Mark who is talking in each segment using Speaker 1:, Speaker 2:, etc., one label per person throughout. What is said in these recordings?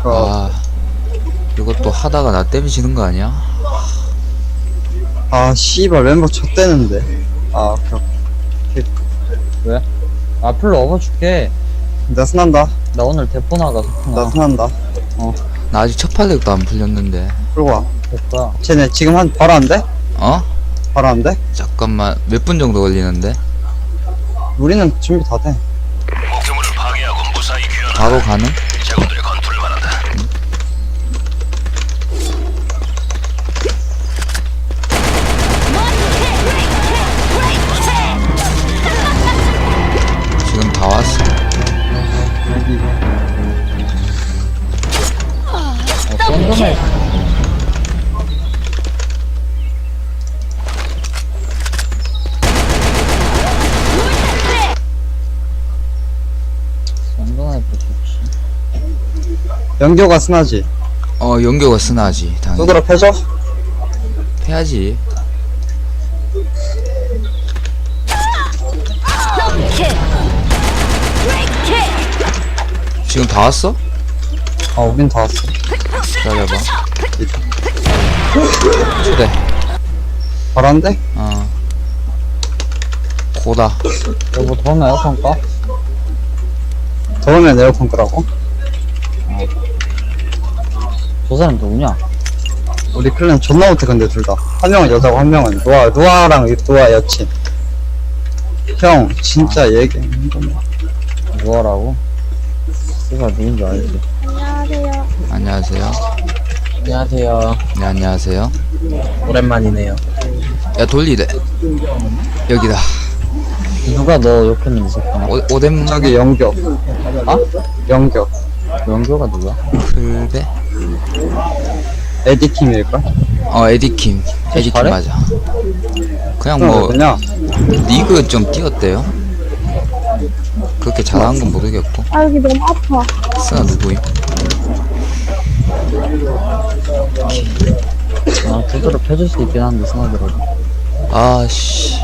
Speaker 1: 아, 이것도 하다가 나 때문에 지는 거 아니야?
Speaker 2: 아 씨발 멤버 쳤대는데. 아 그렇게.
Speaker 3: 왜? 앞으로 업어줄게.
Speaker 2: 나 순한다.
Speaker 3: 나 오늘 대포 나가서.
Speaker 2: 나 순한다.
Speaker 1: 나 아직 첫 팔렉도 안 풀렸는데.
Speaker 2: 끌고 와.
Speaker 3: 됐다.
Speaker 2: 쟤네 지금 한 바로 안 돼?
Speaker 1: 어?
Speaker 2: 바로 안 돼?
Speaker 1: 잠깐만, 몇 분 정도 걸리는데?
Speaker 2: 우리는 준비 다 돼.
Speaker 4: 목표물을 파괴하고 무사히 귀환하라.
Speaker 1: 바로 가는?
Speaker 4: 제군들의 건투를 바란다.
Speaker 1: 지금 다 왔어.
Speaker 3: 썬더맨. 썬더맨 좋지.
Speaker 2: 연교가 순하지.
Speaker 1: 연교가 쓰나지, 당연히.
Speaker 2: 쏘드라 패줘?
Speaker 1: 해야지. 지금 다 왔어?
Speaker 2: 아 우린 다 왔어.
Speaker 1: 기다려봐. 초대.
Speaker 2: 바로 안 돼?
Speaker 1: 고다.
Speaker 3: 여보 더우면 에어컨 꺼?
Speaker 2: 더우면 에어컨 끄라고?
Speaker 3: 저 사람 누구냐?
Speaker 2: 우리 클랜 존나 못해 근데 둘 다. 한 명은 여자고 한 명은 누아랑 누아 여친. 형 진짜 얘기.
Speaker 3: 누워라고? 누가 누군지 알지?
Speaker 1: 안녕하세요.
Speaker 3: 안녕하세요.
Speaker 1: 네, 안녕하세요.
Speaker 3: 오랜만이네요.
Speaker 1: 야, 돌리래. 여기다.
Speaker 3: 누가 너 욕했는지 새끼나?
Speaker 1: 오덴
Speaker 2: 저기 연교.
Speaker 3: 아?
Speaker 2: 연교.
Speaker 3: 연교가 누구야?
Speaker 1: 풀베?
Speaker 2: 에디킴일걸?
Speaker 1: 에디킴. 에디킴
Speaker 3: 잘해?
Speaker 1: 맞아. 그냥
Speaker 2: 형
Speaker 1: 뭐,
Speaker 2: 왜냐?
Speaker 1: 리그 좀 뛰었대요. 그렇게 잘하는 건 모르겠고.
Speaker 5: 아 여기 너무 아파.
Speaker 1: 스나 누구임?
Speaker 3: 아, 두드러 펴줄 수 있긴 한데, 스나들어.
Speaker 1: 아씨.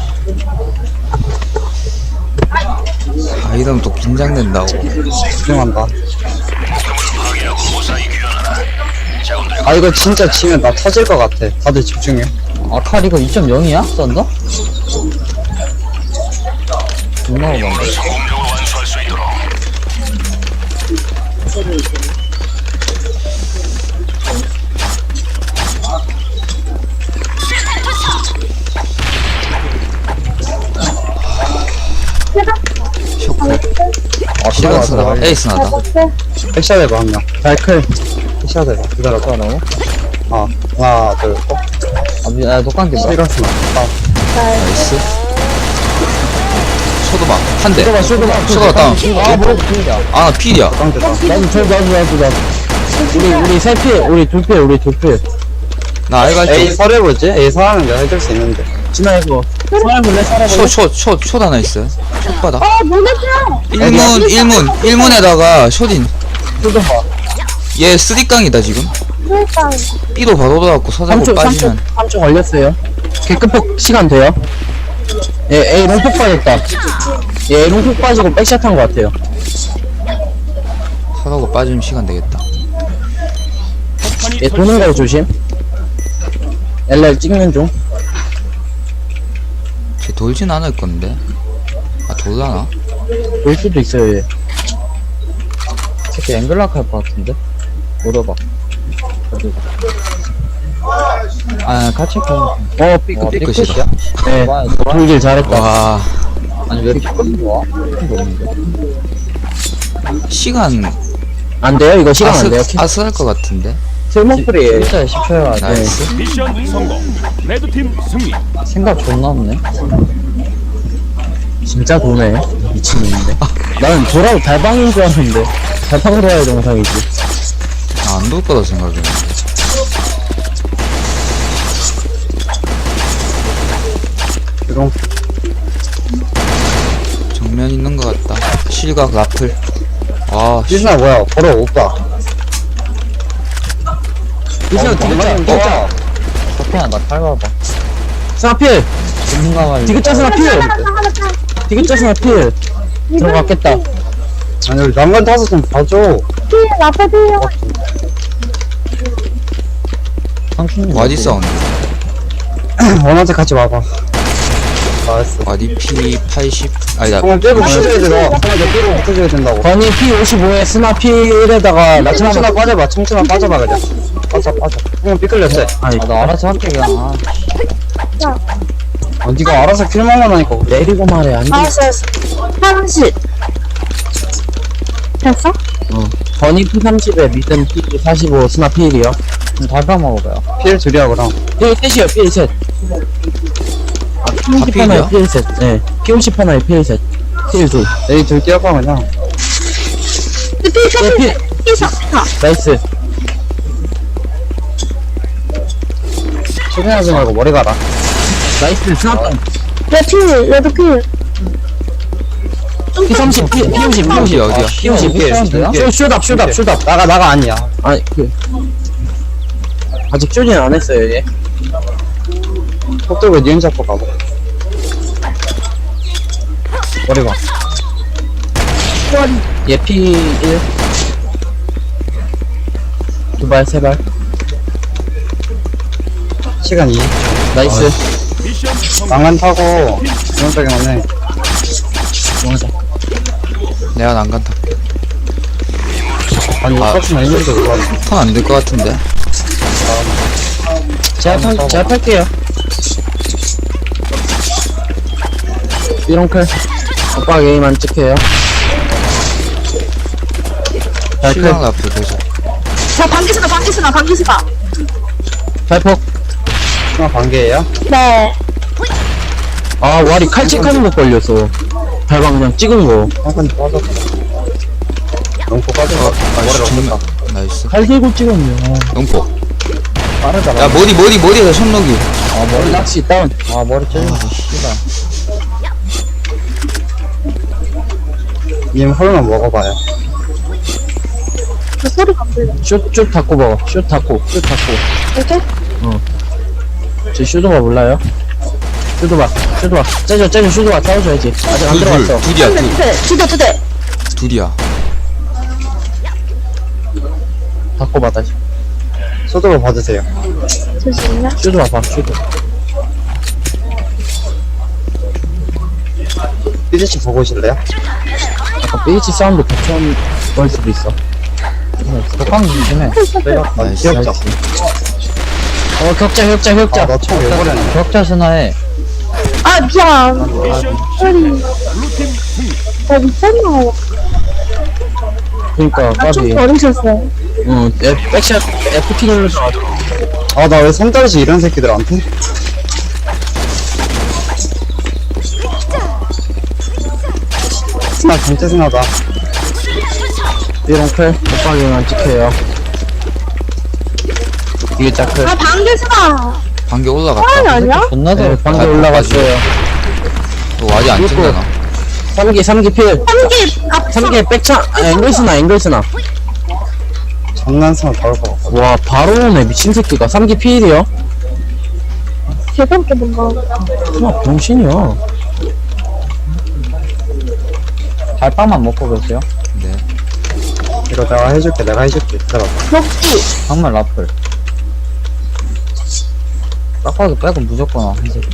Speaker 1: 이러면 또 긴장된다고.
Speaker 2: 집중한다.
Speaker 4: 파괴하고 무사히 귀환하라. 제군들의
Speaker 2: 아 이거 진짜 지면 나 터질 것 같아. 다들 집중해.
Speaker 3: 아칼 이거 2.0이야? 썬더? 존나 오반데.
Speaker 4: 성공적으로 완수할 수 있도록.
Speaker 1: 쇼크. 시간
Speaker 3: 아,
Speaker 1: 스나. 에이스 나다.
Speaker 5: 어때?
Speaker 2: 백샷 해봐 한 명. 발클. 백샷 해봐. 기다려봐.
Speaker 3: 뭐라고?
Speaker 2: 하나 둘 셋.
Speaker 3: 아, 독감기 뭐야?
Speaker 2: 시가스나.
Speaker 1: 나이스. 소도막. 한 대.
Speaker 3: 쇼도박,
Speaker 1: 쇼도박 다운.
Speaker 3: 아, 뭐, 필이야.
Speaker 1: 아, 필이야.
Speaker 2: 깡대다.
Speaker 3: 나도. 우리 세 필, 우리 두 필, 우리 두 필.
Speaker 1: 나 알갈
Speaker 2: A
Speaker 1: 때.
Speaker 2: 설해보지? A 설하면 내가 해줄 수 있는데.
Speaker 3: 진아, 이거. 살아볼래?
Speaker 1: 숏 하나 있어요. 숏 바닥.
Speaker 5: 아 모네트야.
Speaker 1: 1문에다가 숏인.
Speaker 3: 쇼도박.
Speaker 1: 얘 쓰리깡이다, 지금.
Speaker 5: 그러니까
Speaker 1: B도 바로 돌아갖고 서자고 빠지면.
Speaker 3: 3초 걸렸어요. 개급폭 시간 돼요? 예, A 롱폭 빠졌다. 예, A 롱폭 빠지고 백샷 한 것 같아요.
Speaker 1: 서자고 빠지면 시간 되겠다.
Speaker 3: 예, 도는 거 조심. LR 찍는 중.
Speaker 1: 쟤 돌진 않을 건데. 아, 돌라나?
Speaker 3: 올 수도 있어요, 얘. 새끼 앵글락 할 것 같은데? 물어봐. 어디? 아, 같이 가.
Speaker 1: 삐끗이다.
Speaker 3: 네, 돌길 잘했다.
Speaker 1: 와,
Speaker 3: 아니, 왜 이렇게 삐끗이 와?
Speaker 1: 시간.
Speaker 3: 안 돼요? 이거 시간 안 돼요?
Speaker 1: 아슬할 것 같은데.
Speaker 3: 슬머프리 진짜 10초야. 네.
Speaker 1: 나이스.
Speaker 4: 미션 성공. 레드팀 승리.
Speaker 3: 생각 존나 없네. 진짜 도네. 미친놈인데. 나는 돌아도 달방인 줄 알았는데. 달방으로 해야 정상이지.
Speaker 1: 안 돌 거다 생각했는데.
Speaker 2: 이런.
Speaker 1: 정면 있는 것 같다. 실각 라플. 아, 씨.
Speaker 2: 시스나 뭐야? 걸어 오빠.
Speaker 3: 이거
Speaker 2: 진짜.
Speaker 3: 석현아, 나 밟아봐. 스나필!
Speaker 5: 아,
Speaker 3: 디귿자 스나필!
Speaker 5: 하나 타.
Speaker 3: 디귿자 스나필! 들어갔겠다.
Speaker 2: 아니 우리 난간 타서 좀 봐줘.
Speaker 5: 뒤에 나빠져요.
Speaker 3: 상춘님
Speaker 1: 와디 사운드.
Speaker 2: 원한테 같이 와봐. 알았어.
Speaker 1: 와디 P 80. 아니다.
Speaker 2: 형을 빼고 붙여줘야 돼. 너. 형을 빼고 붙여줘야 된다고.
Speaker 3: 건이 P55에 스나 P1에다가 나
Speaker 2: 청춘아 빠져봐. 청춘아 빠져봐 그냥. 빠져. 형은 삐끌렸어.
Speaker 3: 아니 나 알아서 할게 그냥.
Speaker 2: 네가 알아서 킬만 하니까.
Speaker 3: 내리고 말해 안 돼.
Speaker 5: 알았어. 화장실. 됐어?
Speaker 3: 건이 P30에 미든 P45 스나 P1이요. 달파 먹어봐요.
Speaker 2: 필 줄이야 그럼.
Speaker 3: P1셋이요 P1셋. P50 하나에
Speaker 1: P1이요?
Speaker 3: P1셋. 네. P50 하나에 P1셋. P1둘.
Speaker 2: 내일 둘 뛰어봐 그냥.
Speaker 3: 예,
Speaker 5: 이사.
Speaker 3: 나이스.
Speaker 2: 최근하지 말고 머리 가라.
Speaker 3: 나이스 스나빵.
Speaker 5: 레드 필.
Speaker 3: P30 P50
Speaker 1: P50 어디야?
Speaker 3: P50 슛업
Speaker 2: 나가 아니야.
Speaker 3: 아니 아직 쪼진 안 했어요 얘.
Speaker 2: 속 들고 니은 잡고 가봐. 머리 봐.
Speaker 3: 얘 P1 두발 세발
Speaker 2: 시간 2.
Speaker 3: 나이스.
Speaker 4: 미션 성공.
Speaker 2: 난간 타고 기본적인 해.
Speaker 1: 내가 난간 탈게.
Speaker 2: 아니 똑같은 애니도 그거.
Speaker 1: 턴 안 될 것 같은데.
Speaker 3: 제가 팔게요. 이런 클 오빠 게임 안 찍혀요.
Speaker 1: 실력 라플 계속.
Speaker 5: 자, 방기스가.
Speaker 3: 발폭.
Speaker 2: 하나 반개예요?
Speaker 5: 네.
Speaker 3: 아 와리 칼칙하는 거 걸렸어. 발방 그냥 찍은 거.
Speaker 2: 한칸 빠졌다. 농포 빠졌어. 머리를
Speaker 1: 정면.
Speaker 2: 없었다.
Speaker 1: 나이스.
Speaker 3: 칼 들고 찍었네.
Speaker 1: 농포.
Speaker 2: 빠르다.
Speaker 1: 야 머리에서 손목이.
Speaker 3: 아 머리 낚시 다운.
Speaker 2: 아 머리 찔렸어. 씨발. 님 홀만 먹어봐요.
Speaker 5: 그 소리가 안 들려.
Speaker 3: 슛 닫고 먹어. 슛 닫고.
Speaker 5: 이렇게?
Speaker 3: 저 슈도바 몰라요? 슈도바. 째줘 슈도바 싸워줘야지. 아직 안 들어갔어.
Speaker 1: 둘이야
Speaker 5: 두 대.
Speaker 1: 둘이야.
Speaker 3: 닫고 받아지.
Speaker 2: 소독을 받으세요.
Speaker 5: 잠시만요.
Speaker 3: 슈도바 봐. 슈도.
Speaker 2: 삐지치 보고 오실래요?
Speaker 3: 아까 베이치 사운드 겹쳐온 걸 수도 있어.
Speaker 2: 독감 조심해. 내가
Speaker 1: 나이스.
Speaker 2: 기억자.
Speaker 3: 격자.
Speaker 2: 아나총왜 버렸냐?
Speaker 3: 격자 스나해.
Speaker 5: 아, 미안.
Speaker 4: 미션
Speaker 5: 소리.
Speaker 4: 블루팀 승리.
Speaker 5: 나 미쳤나?
Speaker 3: 그니까
Speaker 5: 나좀
Speaker 3: 까비.
Speaker 5: 버리셨어.
Speaker 3: 응. 백샷 FT 눌러서
Speaker 2: 나 왜 손떨지 이런 새끼들한테? 스나 전체 스나다.
Speaker 3: 이런 클 오빠 게임 안 찍혀요. 이게 짝클.
Speaker 5: 아, 방기스가.
Speaker 1: 반개
Speaker 5: 사람이
Speaker 1: 올라갔다.
Speaker 5: 아니야?
Speaker 3: 존나
Speaker 1: 잘
Speaker 3: 방금 올라갔어요.
Speaker 1: 또 와디 안 찍잖아.
Speaker 3: 3기 필.
Speaker 5: 방기 앞서.
Speaker 3: 3기 백차. 앵글스나.
Speaker 2: 장난 스나 나올 것 같아.
Speaker 3: 와 바로 오네 미친 새끼가. 3기 필이요.
Speaker 5: 개성게 뭔가.
Speaker 3: 와 병신이야.
Speaker 2: 달빵만 먹고 계세요?
Speaker 1: 네.
Speaker 2: 이거 내가 해줄게. 들어가.
Speaker 5: 먹기.
Speaker 2: 정말 라플. 딱 봐도 빼고 무조건 이 새끼.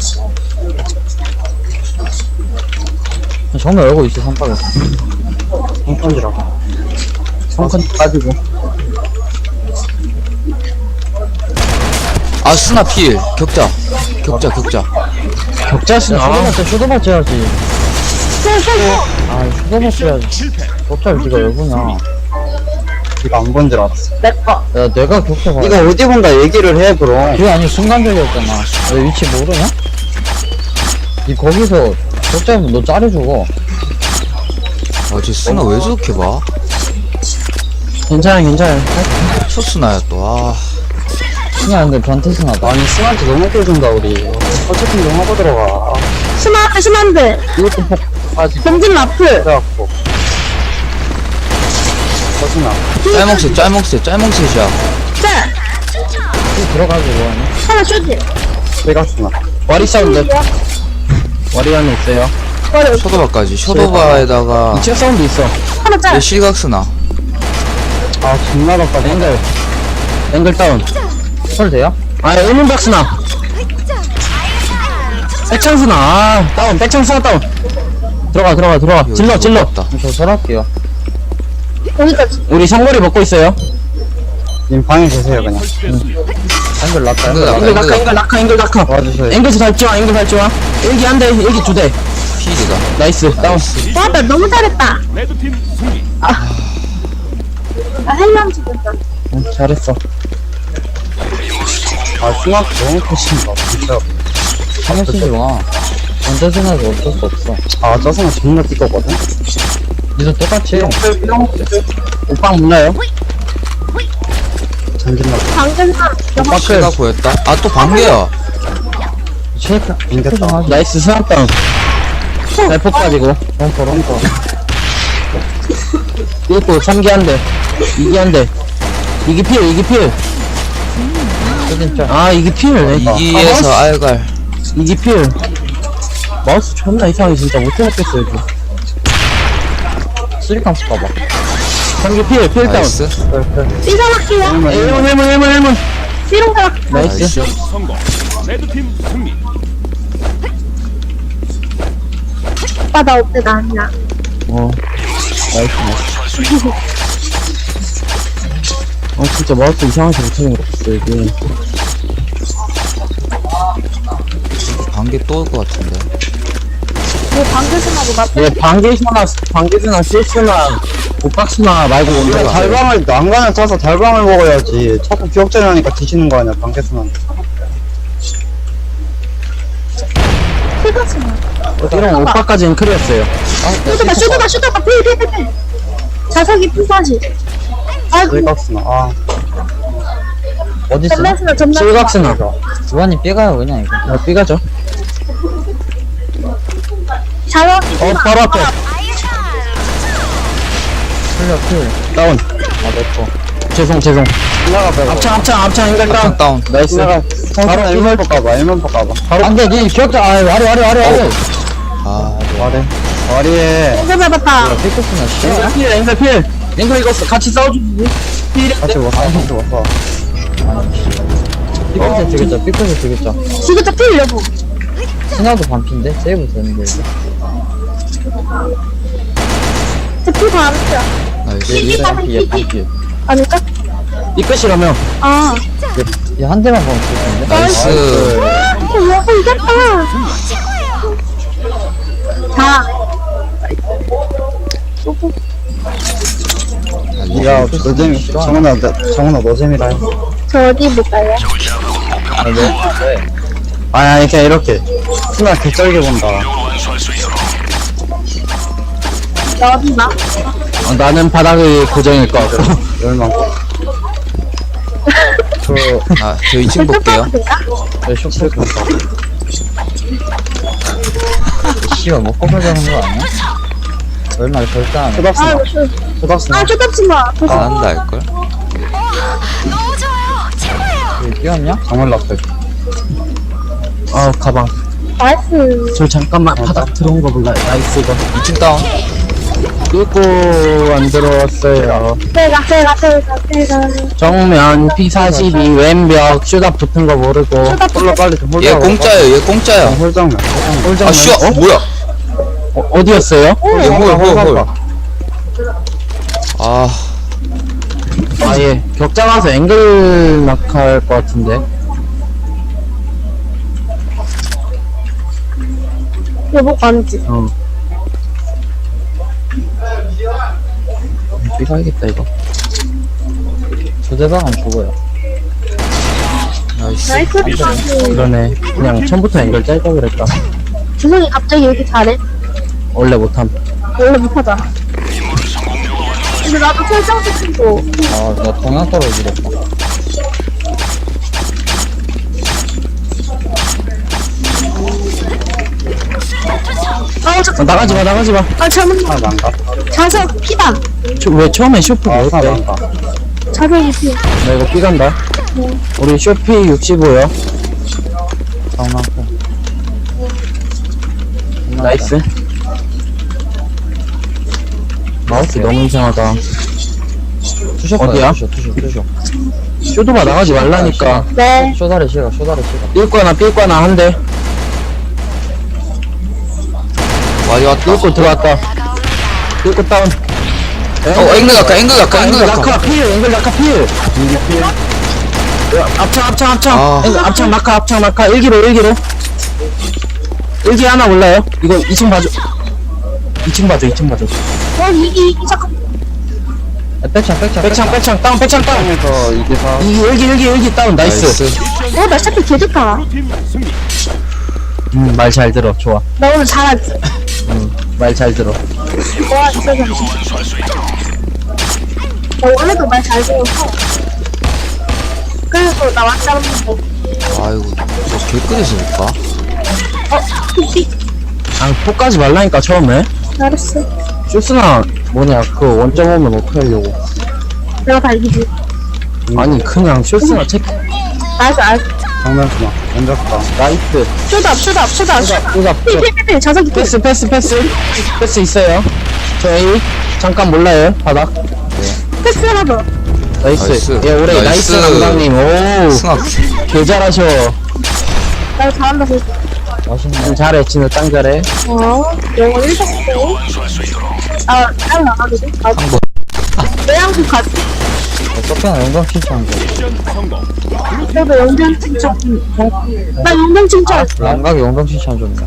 Speaker 2: 정말 열고 있어, 선박에서. 성건지라고.
Speaker 3: 성큰 빠지고.
Speaker 1: 아 스나 필. 격자.
Speaker 3: 격자 스나.
Speaker 2: 슈도바 쳐야지. 아, 슈도바 쳐야지.
Speaker 4: 실패.
Speaker 2: 격자를 네가 왜 보냐. 네가 안 본 줄 알았어.
Speaker 5: 내꺼.
Speaker 2: 야, 내가 격자 봐. 네가 어디 본다 얘기를 해, 그럼. 그게 아니, 순간적이었잖아. 너 위치 모르냐? 니 거기서 격자면 너 짜리 죽어.
Speaker 1: 아쟤 스나 왜 저렇게 봐?
Speaker 3: 괜찮아.
Speaker 1: 첫 스나야 또. 아.
Speaker 2: 스나 근데 변태 스나다. 아니, 스나한테 너무 껴준다, 우리. 어쨌든 좀 하고 들어가.
Speaker 5: 스만데.
Speaker 2: 이것도 폭 빠지고.
Speaker 5: 병진 라플.
Speaker 2: 그래갖고. 서스나.
Speaker 1: 짤목셋이야.
Speaker 5: 짤.
Speaker 2: 들어가지고 하네.
Speaker 5: 하나 쇼지.
Speaker 2: 빼갔으나.
Speaker 3: 와리 사운드. 와리 안에 있어요.
Speaker 1: 쇼도바까지. 쇼도바에다가
Speaker 3: 2층 사운드 있어.
Speaker 5: 하나 짤.
Speaker 1: 얘 실각스나.
Speaker 2: 아 존나 덥다.
Speaker 3: 앵글 다운.
Speaker 2: 설 돼요?
Speaker 3: 아, 의문박스나. 백창스나. 아, 다운. 백창스나 다운. 들어가.
Speaker 1: 이거
Speaker 3: 질러.
Speaker 1: 좋았다.
Speaker 2: 저 설할게요.
Speaker 5: 여기까지.
Speaker 3: 우리 상거리 먹고 있어요.
Speaker 2: 님 방에 계세요 그냥. 한글 났다.
Speaker 1: 앵글 낙하.
Speaker 2: 와주세요.
Speaker 3: 앵글 밟지마. 일기 한 대, 일기 2대.
Speaker 1: 필이다.
Speaker 3: 나이스. 다운.
Speaker 5: 와, 나 너무 잘했다.
Speaker 4: 레드팀 승리.
Speaker 5: 나 헬랑 죽였다.
Speaker 3: 잘했어.
Speaker 2: 아 숭악 너무 크신다 진짜.
Speaker 3: 하면서 와. 완전 생각이 어쩔 수 없어.
Speaker 2: 아 짜증나 존나 띠거거든.
Speaker 3: 니도 똑같이. 오빠 몰라요?
Speaker 2: 전진나.
Speaker 5: 방금 영화
Speaker 1: 실각 보였다. 아, 또 반개야.
Speaker 2: 쉐이크 인겠다.
Speaker 3: 나이스 스납 다운. 발폭 빠지고. 럼퍼. 이것도 3기 한 대. 2기 한 대. 2기 필. 아, 2기 필.
Speaker 1: 2기에서 알갈.
Speaker 3: 2기 필. 마우스 존나 이상하게 진짜 못 해먹겠어, 여기. 쓰리깡스 봐봐. 3기 필 다운.
Speaker 1: 나이스.
Speaker 5: 삐져갈게요.
Speaker 3: 일문.
Speaker 5: 삐롱 가.
Speaker 3: 나이스.
Speaker 4: 미션 성공. 레드팀 승리.
Speaker 5: 오빠 나 없대 나 아니야.
Speaker 3: 나이스. 진짜 마우스 이상하게 못하는 거 없어, 여기.
Speaker 1: 반개 또 올 것 같은데.
Speaker 5: 뭐 방글스나고 맞.
Speaker 3: 얘 방개수나 실수나 옷박스나 말고
Speaker 2: 이거
Speaker 3: 온다.
Speaker 2: 달방을 난간을 짜서 달방을 먹어야지. 자꾸 기억자리 하니까 뒤지는 거 아니야 방개수는.
Speaker 5: 실각스나.
Speaker 3: 이런 오빠까지는 클리었어요.
Speaker 5: 슈터가 필. 자석이 필사시. 아이고.
Speaker 2: 실각수나. 아
Speaker 5: 점났으나.
Speaker 3: 실각스나.
Speaker 2: 주환이 삐가요 그냥 이거.
Speaker 3: 삐가죠.
Speaker 5: 자석이
Speaker 3: 바로 앞에.
Speaker 2: 풀려 풀.
Speaker 3: 다운.
Speaker 2: 아 내꺼.
Speaker 3: 죄송.
Speaker 2: 신나가 빼고.
Speaker 3: 앞창 앵글 다운.
Speaker 1: 합창 다운.
Speaker 3: 나이스.
Speaker 2: 신나가 바로 1만 볼까봐 1만 볼까봐.
Speaker 3: 바로. 안돼, 니 기억자. 아래.
Speaker 1: 아,
Speaker 2: 머리에
Speaker 5: 앵글 밟았다.
Speaker 3: 앵글 필. 앵글 이거 같이 싸워주지.
Speaker 2: 같이 왔어. 삐끗에 되겠죠.
Speaker 5: 지그자 필 여보.
Speaker 2: 신화도 반피인데? 세이브 되는데 이거.
Speaker 5: 저필 반피야.
Speaker 1: 나이스.
Speaker 5: 삐. 아닐까?
Speaker 3: 이 끝이라며.
Speaker 5: 아.
Speaker 2: 얘한 대만 보면 좋을 텐데.
Speaker 1: 나이스.
Speaker 5: 여보 이겼다. 자.
Speaker 2: 야, 너 재미. 정훈아 너 재미라 해.
Speaker 5: 저 어디 볼까요?
Speaker 2: 아니 그냥 이렇게. 신화 개쩔게 본다.
Speaker 5: 나 어디 봐?
Speaker 3: 나는 바닥이 고정일 것 같고.
Speaker 2: 열망.
Speaker 1: 아, 저 2층 볼게요.
Speaker 2: 쇼크 본다. 씨발 뭐 꺼내자는 거 아니야? 얼마나 절대 안 해.
Speaker 5: 아,
Speaker 2: 초닥스나.
Speaker 5: 쪼답지 마.
Speaker 1: 안 한다 할걸.
Speaker 2: 뛰었냐? 정말 라플.
Speaker 3: 가방.
Speaker 5: 나이스.
Speaker 3: 저 잠깐만 바닥 들어온 거 몰라요. 나이스 이거.
Speaker 1: 2층 다운.
Speaker 3: 뚫고 안 들어왔어요.
Speaker 5: 제가.
Speaker 3: 정면 P42 왼벽 슈답 붙은 거 모르고.
Speaker 2: 홀로 빨리 좀
Speaker 1: 얘 공짜예요. 얘 공짜야.
Speaker 2: 홀장면.
Speaker 1: 아, 슈. 뭐야?
Speaker 3: 어디였어요?
Speaker 1: 얘 홀. 아,
Speaker 3: 아예 격자 가서 앵글 낙할 것 같은데.
Speaker 5: 여보 아니지.
Speaker 3: 삐가야겠다 이거.
Speaker 2: 조대방은 죽어요.
Speaker 1: 나이스.
Speaker 5: 나이스.
Speaker 3: 그러네. 그냥 처음부터 앵글 짧다 그랬다.
Speaker 5: 주성이 갑자기 왜 이렇게 잘해?
Speaker 3: 원래 못함.
Speaker 5: 원래 못하잖아. 근데 나도 설정도 친구.
Speaker 2: 나 동양 떨어지겠다.
Speaker 5: 잠깐.
Speaker 3: 나가지 마.
Speaker 5: 아, 잘못
Speaker 2: 하나 난가?
Speaker 5: 자석 피다.
Speaker 3: 왜 처음에 쇼프
Speaker 2: 하나
Speaker 3: 뭐였대?
Speaker 2: 난가?
Speaker 5: 자석이 피.
Speaker 3: 나 이거 삐간다. 우리 쇼피 65요.
Speaker 2: 장난감.
Speaker 3: 나이스. 마우스 너무 이상하다.
Speaker 1: 투셔
Speaker 3: 어디야?
Speaker 1: 투셔.
Speaker 3: 쇼도바 나가지 말라니까.
Speaker 5: 네.
Speaker 1: 쇼다리 시가.
Speaker 3: 삘거나 한 대.
Speaker 1: 와디 왔다.
Speaker 3: 삘거 들어왔다. 삘거 다운.
Speaker 1: 앵글 갈까?
Speaker 3: 앵글 낙하 필. 앵글 낙하 필. 합창.
Speaker 1: 아.
Speaker 3: 합창 낙하. 일기로. 일기 하나 올라요. 이거 2층 봐줘. 2층 봐줘.
Speaker 5: 이기 잠깐.
Speaker 3: 백창 다운.
Speaker 2: 그래서 이게 다
Speaker 3: 일기 다운. 나이스.
Speaker 5: 나 샤피 개 좋다.
Speaker 4: 팀 승리.
Speaker 3: 말 잘 들어. 좋아.
Speaker 5: 나 오늘 잘하지.
Speaker 3: 말 잘 들어.
Speaker 5: 와 진짜 잘해. 나 원래도 말 잘 들어서. 그래서 나 왔다는데.
Speaker 1: 아이고, 저 개끄러지니까.
Speaker 5: 삐.
Speaker 3: 아, 폭까지 말라니까 처음에.
Speaker 5: 잘했어.
Speaker 3: 쇼스나 뭐냐 그 원점 오면 어떻게 하려고.
Speaker 5: 내가 다 이기지.
Speaker 3: 아니 그냥 쇼스나 체크.
Speaker 5: 알았어.
Speaker 2: 장난치마 앉았다.
Speaker 3: 나이트.
Speaker 5: 쇼다. 삐. 자석이 삐.
Speaker 3: 패스 있어요. 저 A 잠깐 몰라요 바닥.
Speaker 5: 패스 하나 더.
Speaker 3: 나이스. 예 올해 나이스
Speaker 1: 나이스.
Speaker 3: 감독님. 오
Speaker 1: 승학.
Speaker 3: 개 잘하셔.
Speaker 5: 나 잘한다 그랬어.
Speaker 3: 잘해 진우 짱 잘해.
Speaker 5: 영어 1샀어. 아, 잘 나가거든? 아,
Speaker 1: 번.
Speaker 5: 내양국 가지.
Speaker 1: 서편아 영광 칭찬.
Speaker 4: 미션 성공.
Speaker 5: 너도 영장 칭찬. 나 영장 칭찬.
Speaker 1: 양각이 영광 칭찬 줬네.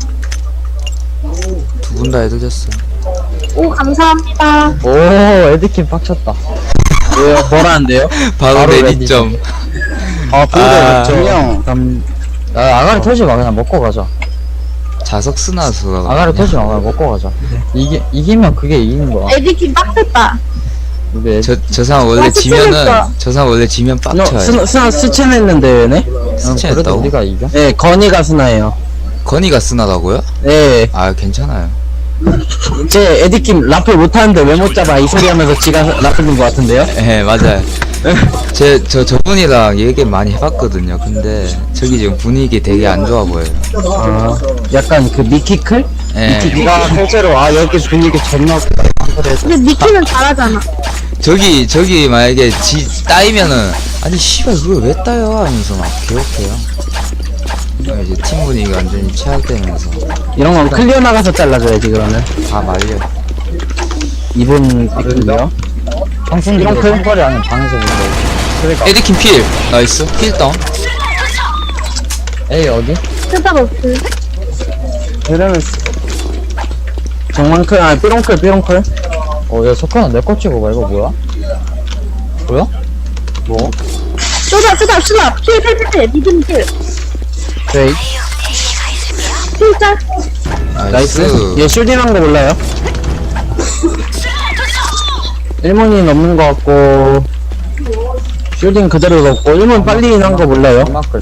Speaker 1: 두 분 다 애들 됐어.
Speaker 5: 오, 감사합니다.
Speaker 1: 오, 에드킴 빡쳤다.
Speaker 3: 왜요? 뭐라는데요?
Speaker 1: 바로 레디점.
Speaker 3: 아
Speaker 1: 아.
Speaker 2: 분명
Speaker 1: 아가리 터지 마, 그냥 먹고 가자. 자석 스나수가. 아가리 터지 마, 그냥 먹고 가자. 이기면 그게 이기는 거야.
Speaker 5: 에디킴 빡셌다.
Speaker 1: 저 사람 원래
Speaker 5: 와,
Speaker 1: 지면은,
Speaker 5: 스쳐냈어.
Speaker 1: 저 사람 원래 지면
Speaker 3: 너
Speaker 1: 빡쳐요.
Speaker 3: 스나 스첸했는데 왜네?
Speaker 1: 스치했다고? 우리가 이겨?
Speaker 3: 네 건이가 스나예요.
Speaker 1: 건이가 스나다고요?
Speaker 3: 네.
Speaker 1: 아, 괜찮아요.
Speaker 3: 제 에디킴 라플 못하는데 왜 못 잡아 이 소리 하면서 지가 라플인 것 같은데요?
Speaker 1: 예, 맞아요. 저분이랑 얘기 많이 해봤거든요. 근데, 저기 지금 분위기 되게 안 좋아 보여요.
Speaker 3: 아 약간 그 미키클?
Speaker 1: 예.
Speaker 2: 네가 실제로 여기 분위기 존나 웃기다.
Speaker 5: 근데 니키는 잘하잖아.
Speaker 1: 저기 만약에 따이면은, 아니, 씨발, 그걸 왜 따요? 하면서 막 개욕해요. 이제 팀 분위기가 완전히 최악되면서
Speaker 3: 이런 건 클리어 나가서 잘라줘야지 그러면.
Speaker 1: 다 말려.
Speaker 3: 이분 클리어?
Speaker 1: 이런 클?
Speaker 2: 아니면 방에서 본다. 그러니까
Speaker 1: 에디킨 필! 나이스. 필 다운.
Speaker 3: 에이 어디?
Speaker 5: 쓰다가 없어.
Speaker 2: 이러면
Speaker 3: 정만클 아 삐롱클.
Speaker 1: 야, 석환아, 내 거 찍어봐. 이거 뭐야? 뭐야? 뭐?
Speaker 5: 쓰다. 필. 니든 필.
Speaker 3: 저희
Speaker 5: 필짤.
Speaker 3: 나이스. 얘 쉴딩한 거 몰라요? 1문이 넘는 거 같고 쉴딩 그대로 넣고 1문 빨리 인한 거 몰라요?
Speaker 1: 정막글.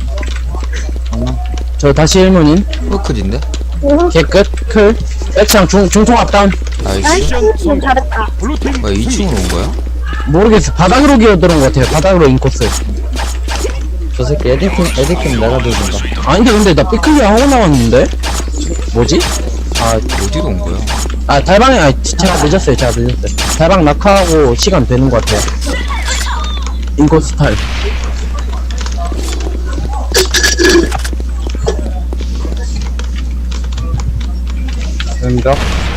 Speaker 3: 저 다시 1문인
Speaker 1: 워크인데?
Speaker 3: 개끝 클 백창 중통 앞다운.
Speaker 1: 나이스.
Speaker 5: 나이스. 잘했다.
Speaker 4: 블루팀
Speaker 1: 뭐야, 2층으로 온 거야?
Speaker 3: 모르겠어 바닥으로 기어들은 것 같아요. 바닥으로 인코스.
Speaker 1: 저 새끼 에디킨 내가 들던다.
Speaker 3: 아닌데 근데 나 삐클리어 하고 나왔는데? 뭐지?
Speaker 1: 아, 어디로 온 거야?
Speaker 3: 아 달방에 제가 늦었어요. 달방 낙하하고 시간 되는 것 같아요. 인코스 탈.
Speaker 2: 왼벽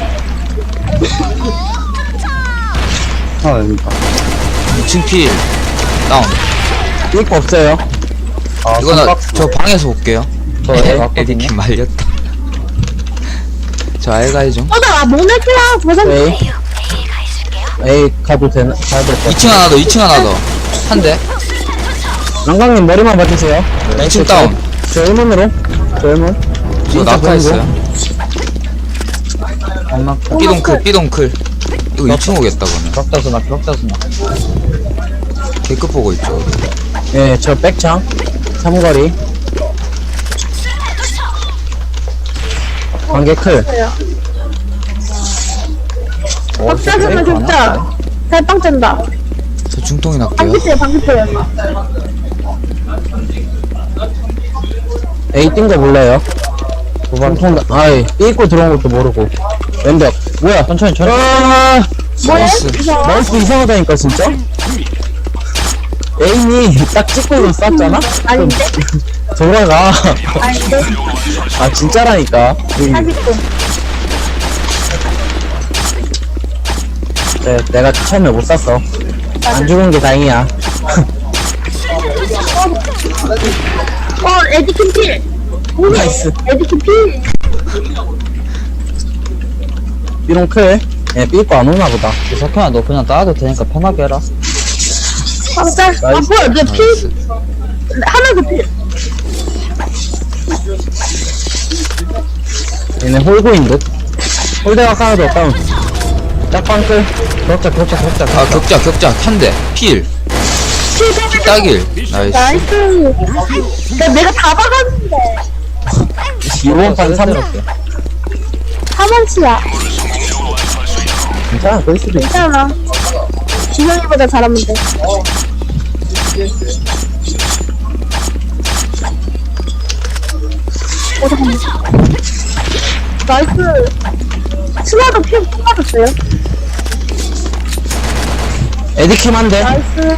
Speaker 2: 됩니다.
Speaker 1: 2층 필. 다운.
Speaker 3: 이거 없어요.
Speaker 1: 이거 저 방에서 올게요.
Speaker 3: 네.
Speaker 1: 에디킨 말렸다. 저 알가이 좀.
Speaker 5: 나 모네키야. 도전.
Speaker 3: 에이 가도 되나? 가야 될 것 같아.
Speaker 1: 2층 하나 더. 한 대.
Speaker 3: 랑광님 머리만 봐주세요.
Speaker 1: 2층 다운.
Speaker 3: 저 1문으로. 저 1문.
Speaker 1: 저 낙하했어요. 삐동클. 이거 2층 오겠다, 그러면. 격자수나. 개급 보고 있죠.
Speaker 3: 예, 저 백창. 삼거리. 관계 클.
Speaker 5: 박사주는 진짜. 잘빵 짠다.
Speaker 1: 저 중통이 낙게요.
Speaker 5: 방귀뼈야.
Speaker 3: A 뛴 거 몰라요? 중통, 아이, 삐고 들어온 것도 모르고. 왼벽 뭐야, 천천히.
Speaker 1: 나이스.
Speaker 3: 마우스 이상하다니까, 진짜? 에임이 딱 찍고 쐈잖아?
Speaker 5: 아닌데?
Speaker 3: 돌아가.
Speaker 5: 아닌데?
Speaker 3: 아, 진짜라니까.
Speaker 5: 사기꾼.
Speaker 3: 네, 내가 처음에 못 쐈어. 안 죽은 게 다행이야.
Speaker 5: 에디킨 필!
Speaker 3: 나이스.
Speaker 5: 에디킨 필!
Speaker 3: 삐롱 클. 얘 삐고 안 오나 보다.
Speaker 2: 석현아 너 그냥 따도 되니까 편하게 해라.
Speaker 5: 짤. 아, 뭐야, 내 필! 하나 더 필!
Speaker 3: 얘네 홀고인 듯. 홀대가 하나 더 다운. 짝방 클. 격자.
Speaker 1: 아 격자 한대 필 딱일 나이스.
Speaker 5: 나이스. 내가 다 박았는데.
Speaker 3: 이번 판 3.
Speaker 5: 3원치야.
Speaker 3: 괜찮아, 그럴 수도 있어.
Speaker 5: 괜찮아. 진영이보다 잘하면 돼. 잠깐만. 나이스. 스나도 피 뽑아줬어요.
Speaker 3: 에디킴 한 대.
Speaker 5: 나이스.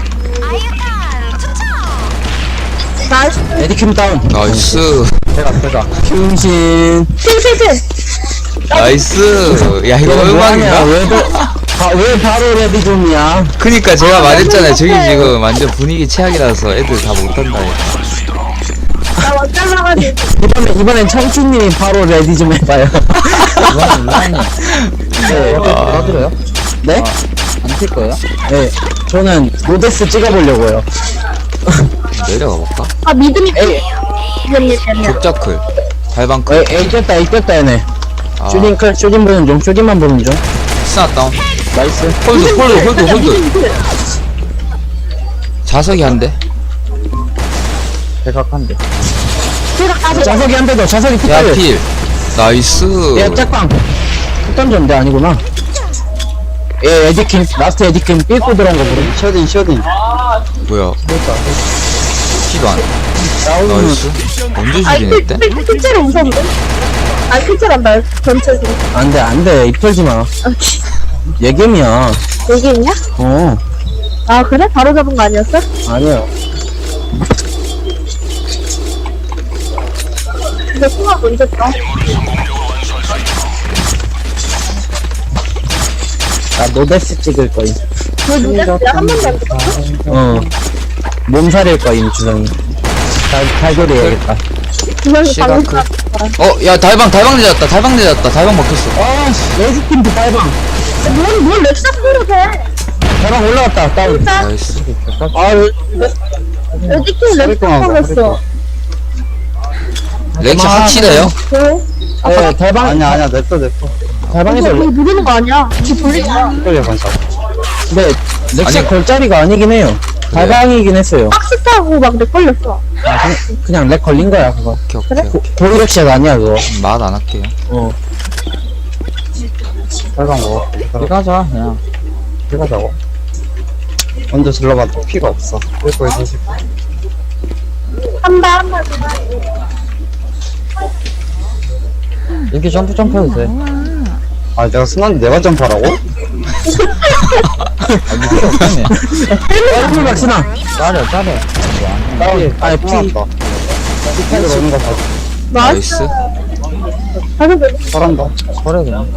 Speaker 5: 나이스.
Speaker 3: 에디킴 다운.
Speaker 1: 나이스.
Speaker 3: 대가. 흉신.
Speaker 5: 필.
Speaker 1: 나이스. 야 이거
Speaker 3: 뭐하냐,
Speaker 1: 얼마인가?
Speaker 3: 왜 바로 레디 좀이야?
Speaker 1: 그니까 제가 말했잖아요. 저기 지금 완전 분위기 최악이라서 애들 다 못한다.
Speaker 5: 나 완전 나가지.
Speaker 3: 이번엔 청춘님이 바로 레디 좀 해봐요. 네.
Speaker 2: 따드려요?
Speaker 3: 네?
Speaker 2: 안 튈 거예요?
Speaker 3: 네. 저는 로데스 찍어보려고요.
Speaker 1: 내려가 볼까?
Speaker 5: 아, 믿음이
Speaker 3: 에이.
Speaker 5: 믿음이 되면.
Speaker 1: 격자클 발방클.
Speaker 3: 에이, 꼈다, 얘네.
Speaker 1: 아,
Speaker 3: 쇼딘 보는 중, 쇼딘만 보는 중.
Speaker 1: 스나 다운.
Speaker 3: 나이스.
Speaker 1: 홀드. 자석이 한 대.
Speaker 2: 대각한데.
Speaker 5: 제가 가서
Speaker 3: 자석이 한 대 더, 자석이
Speaker 1: 야
Speaker 3: 특별.
Speaker 1: 필. 나이스.
Speaker 3: 야, 짝방. 던졌는데 아니구나. 예, 에디킴, 라스트 에디킴 삐고 들어온 거 모르.
Speaker 2: 쇼딩.
Speaker 1: 뭐야? 피도 안.
Speaker 3: 나오는
Speaker 1: 나이스. 언제
Speaker 5: 아니,
Speaker 1: 죽이냈대?
Speaker 5: 필체로 웃었는데? 아니, 필체란다. 전체로.
Speaker 3: 안 돼, 입 털지 마. 예겜이야.
Speaker 5: 여기 있냐?
Speaker 3: 어,
Speaker 5: 아, 그래? 바로 잡은 거 아니었어?
Speaker 3: 아니야.
Speaker 5: 근데 순간 언제 떠?
Speaker 3: 나 노데스 찍을 거임.
Speaker 5: 너 누구야? 한 번도 안 찍었어?
Speaker 3: 어. 몸살일 거임, 주성이. 탈교리 해야겠다.
Speaker 5: 주변에 방금
Speaker 1: 시각 야 달방 내렸다. 달방 먹혔어.
Speaker 3: 아, 씨, 레즈팀도 빨방.
Speaker 5: 뭘 렉사 소리로 돼?
Speaker 3: 저랑 올라갔다, 다운.
Speaker 5: 진짜?
Speaker 1: 나이스.
Speaker 3: 아,
Speaker 5: 어디서 렉사 소리였어?
Speaker 1: 렉시 확실해요?
Speaker 5: 왜?
Speaker 3: 네, 대방,
Speaker 2: 아니야 냅둬.
Speaker 3: 대방에서,
Speaker 5: 이거 누르는 거 아니야? 이렇게 돌리지 마.
Speaker 2: 끌려 반사.
Speaker 3: 근데, 렉시
Speaker 1: 아니,
Speaker 3: 걸 자리가 아니긴 해요. 달방이긴 했어요.
Speaker 5: 박스 타고 막 렉 걸렸어.
Speaker 3: 아, 그냥 렉 걸린 거야, 그거.
Speaker 1: 오케이.
Speaker 3: 고리렉시가 아니야, 그거.
Speaker 1: 말 안 할게요.
Speaker 3: 어.
Speaker 2: 빨간 거.
Speaker 3: 가자, 그냥.
Speaker 2: 들어가자고. 먼저 질러봐도 피가 없어. 끌고 있어.
Speaker 5: 한번
Speaker 3: 이렇게 점프해도 돼.
Speaker 2: 아 내가 순한데 내가 점프하라고?
Speaker 3: 얼굴 박스나.
Speaker 2: 짜려.
Speaker 3: 아니, 피.
Speaker 2: 피타를 오는 거 봐.
Speaker 5: 나이스.
Speaker 1: 나이스.
Speaker 5: 가서
Speaker 2: 잘한다.
Speaker 3: 버려, 그냥.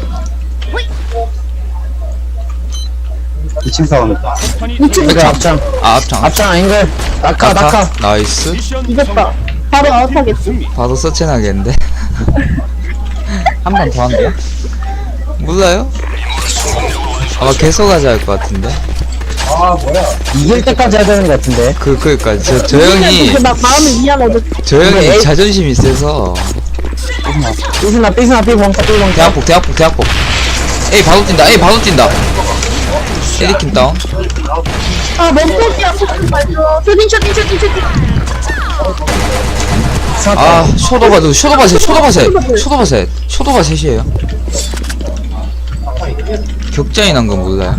Speaker 2: 2층 사운드.
Speaker 3: 이거 앞장.
Speaker 1: 앞장.
Speaker 3: 앞장 아닌걸. 낙하.
Speaker 1: 나이스.
Speaker 4: 미션
Speaker 5: 이겼다. 바로 아웃하겠지.
Speaker 1: 봐도 서치나겠는데.
Speaker 3: 한 번 더 한대요?
Speaker 1: 몰라요? 아마 계속 하자 할 것 같은데.
Speaker 3: 이길 때까지 해야 되는 것 같은데.
Speaker 1: 그니까 저 형이
Speaker 5: 막 마음이 미안하다.
Speaker 1: 저 형이
Speaker 3: 에이.
Speaker 1: 자존심이 세서.
Speaker 3: 삐스나, 삐봉.
Speaker 1: 대학복. 에이 바로 뛴다. 에리킴 다운.
Speaker 5: 아, 멈춰기야. 속좀 말줘. 쇼딩.
Speaker 1: 아 쇼도바 셋이에요. 격자인 한 건 몰라요.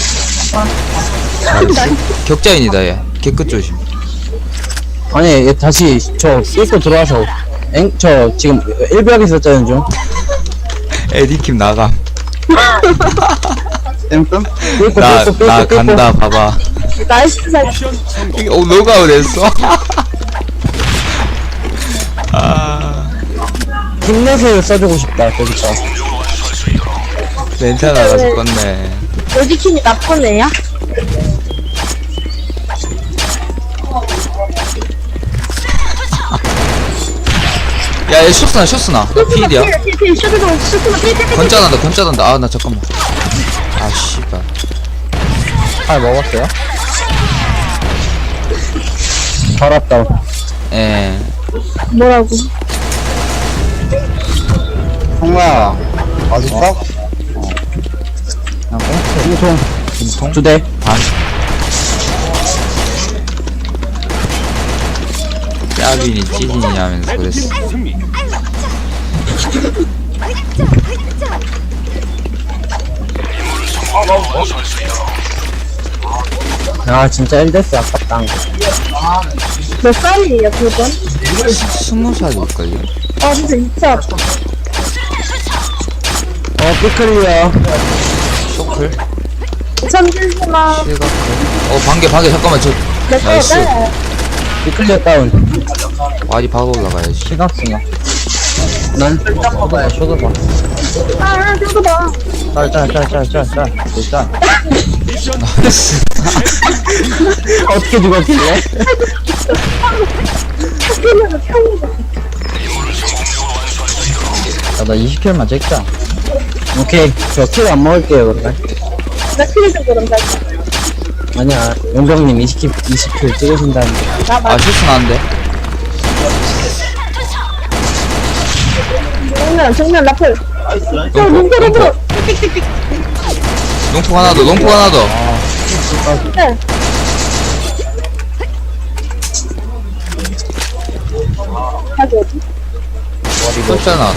Speaker 1: 격자인이다 얘. 개끝 조심.
Speaker 3: 아니, 얘 다시 저 삐고 들어와서. 저 지금 1벽에 있었잖아요, 좀.
Speaker 1: 에디킴 나감.
Speaker 2: 땜뜸?
Speaker 1: 나 간다 봐봐.
Speaker 5: 나이스 살.
Speaker 4: 미션 성공.
Speaker 1: 이게 노가웃 했어. 아
Speaker 3: 힘내세요 써주고 싶다 저기서.
Speaker 1: 렌탈 나가 죽겠네.
Speaker 5: 로지킨이 나쁜 애야?
Speaker 1: 야얘 쇼스나 나 필이야.
Speaker 5: 필 슈드도 슈드도 필.
Speaker 1: 건짜단다 아 나 잠깐만. 아 씨발.
Speaker 3: 아 먹었어요? 살았다.
Speaker 1: 예.
Speaker 5: 뭐라고?
Speaker 2: 성모야 맛있어?
Speaker 3: 꽁통 2대.
Speaker 1: 반. 짜빈이 찌진이 하면서
Speaker 4: 레드팀
Speaker 1: 그랬어.
Speaker 4: 승리.
Speaker 3: 아 진짜 1대스 아깝다.
Speaker 5: 몇 살이에요 그분?
Speaker 1: 20살일걸요?
Speaker 5: 아 진짜 진짜
Speaker 3: 삐클리어.
Speaker 1: 쇼클?
Speaker 5: 천진수나
Speaker 1: 실각클? 반개 잠깐만 저
Speaker 5: 몇
Speaker 1: 나이스.
Speaker 5: 살?
Speaker 3: 삐클리어 다운.
Speaker 1: 와리 바로 올라가야지.
Speaker 3: 시각승아. 난 쇼도봐 쇼도봐.
Speaker 5: 아 저거 봐.
Speaker 3: 짤.
Speaker 4: 미션
Speaker 1: 나이스.
Speaker 3: 어떻게 죽었길래?
Speaker 5: 학교에서 평소.
Speaker 3: 나 20킬만 찍자. 오케이 저 킬 안 먹을게요 그러면.
Speaker 5: 나 필요좀 그럼 나.
Speaker 3: 아니야 용병님 20킬 찍으신다는데.
Speaker 1: 아 쇼스 나는데?
Speaker 5: 정면 라플. 저 눈가락으로.
Speaker 1: 농폭 하나 더.
Speaker 5: 네. 가지 어디?
Speaker 1: 숫자 나왔다.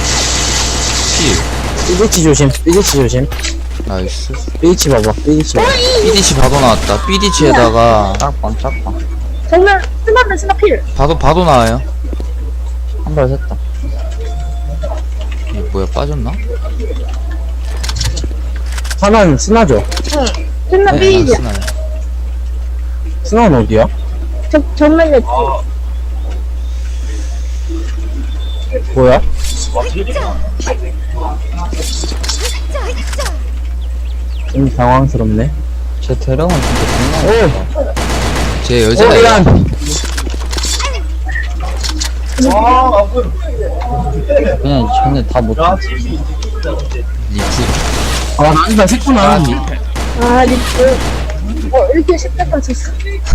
Speaker 1: 피.
Speaker 3: 삐디치 조심.
Speaker 1: 나이스.
Speaker 3: 삐디치 봐봐.
Speaker 1: 삐디치 바도 나왔다. 삐디치에다가
Speaker 3: 짝방.
Speaker 5: 정면 스나드 스나필.
Speaker 1: 바도 나와요.
Speaker 3: 한 발 샜다.
Speaker 1: 이게 뭐야 빠졌나?
Speaker 3: 하나는 스나죠.
Speaker 5: 응. 스나 필이야.
Speaker 1: 스나야.
Speaker 3: 스나는 어디야?
Speaker 5: 정면에
Speaker 3: 뭐야? 좀 당황스럽네. 제 대령은 진짜 장난.
Speaker 1: 제 여자예요.
Speaker 3: 그냥 전에 다 못.
Speaker 1: 리프.
Speaker 3: 아 난이다 했구나.
Speaker 5: 아 리프. 이렇게 10대까지 있어.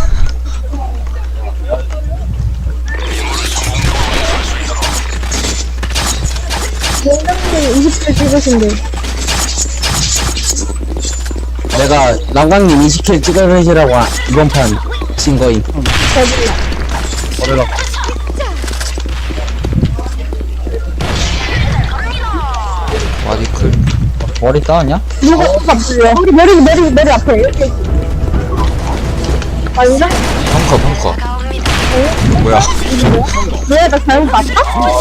Speaker 5: 공장님 20대 찍으신데.
Speaker 3: 내가 남강님 20킬 찍어내시라고 이번 판 진 거임.
Speaker 5: 저질러.
Speaker 1: 와리클.
Speaker 3: 머리 따왔냐?
Speaker 5: 누가 앞으로? 우리 머리 앞에 이렇게. 아닌가?
Speaker 1: 펑커. 뭐야?
Speaker 5: 왜? 나 잘못 봤다?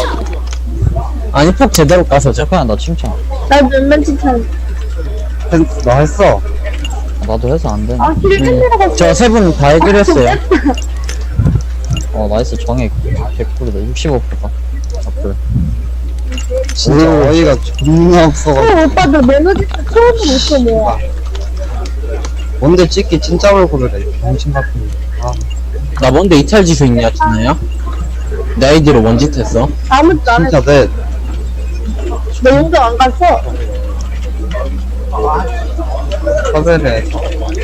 Speaker 3: 아니 폭 제대로 까서 잠깐 나 칭찬.
Speaker 5: 나 몇몇 칭찬.
Speaker 2: 나 했어.
Speaker 3: 나도 해서 안 되네.
Speaker 5: 아, 길을 팬이라고.
Speaker 3: 저 세 분 다 해결했어요. 나이스 정액 100%다 65%다. 앞을.
Speaker 2: 진짜 어이가 존나 없어가지고.
Speaker 5: 오빠들 매너지 처음으로 못해 뭐야.
Speaker 2: 뭔데 찍기 진짜 얼굴을 해. 병신 같은 거.
Speaker 3: 나 뭔데 이탈 지수 있냐 준아야? 내 아이디로 뭔짓 했어?
Speaker 5: 아무것도 안
Speaker 2: 진짜
Speaker 5: 했어.
Speaker 2: 내
Speaker 5: 너 용도 안 갔어.
Speaker 2: 섭외를 해서.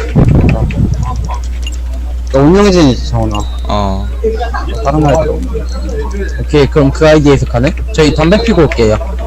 Speaker 2: 너 운영진이지, 정훈아.
Speaker 1: 어.
Speaker 2: 다른 말들.
Speaker 3: 오케이 그럼 그 아이디에서 가네? 저희 담배 피고 올게요.